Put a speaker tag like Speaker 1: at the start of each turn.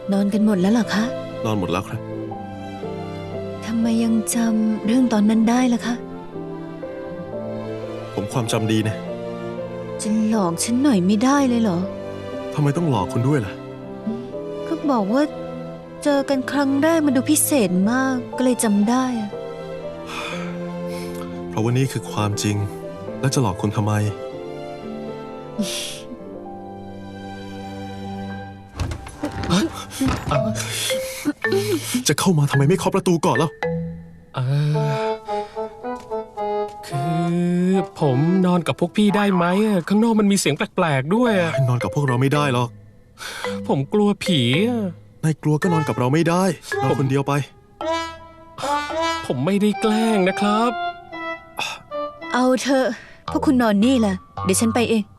Speaker 1: นอนกันหมดแล้วเหรอคะ
Speaker 2: นอนหมดแล้วครับ
Speaker 1: ทำไมยังจำเรื่องตอนนั้นได้ล่ะคะ
Speaker 2: ผมความจำดีนะ
Speaker 1: จะหลอกฉันหน่อยไม่ได้เลยเหรอ
Speaker 2: ทำไมต้องหลอกคุณด้วยล่ะ
Speaker 1: ก็บอกว่าเจอกันครั้งแรกมันดูพิเศษมากก็เลยจำได้อะ
Speaker 2: เพราะว่านี่คือความจริง แล้วจะหลอกคุณทำไม จะเข้ามาทำไมไม่เคาะประตูก่อนแล้ว
Speaker 3: คือผมนอนกับพวกพี่ได้ไหมอะข้างนอกมันมีเสียงแปลกๆด้วยอะ
Speaker 2: นอนกับพวกเราไม่ได้หรอก
Speaker 3: ผมกลัวผีอะ
Speaker 2: นายกลัวก็นอนกับเราไม่ได้นอนคนเดียวไป
Speaker 3: ผมไม่ได้แกล้งนะครับ
Speaker 1: เอาเถอะพวกคุณนอนนี่แหละเดี๋ยวฉันไปเอง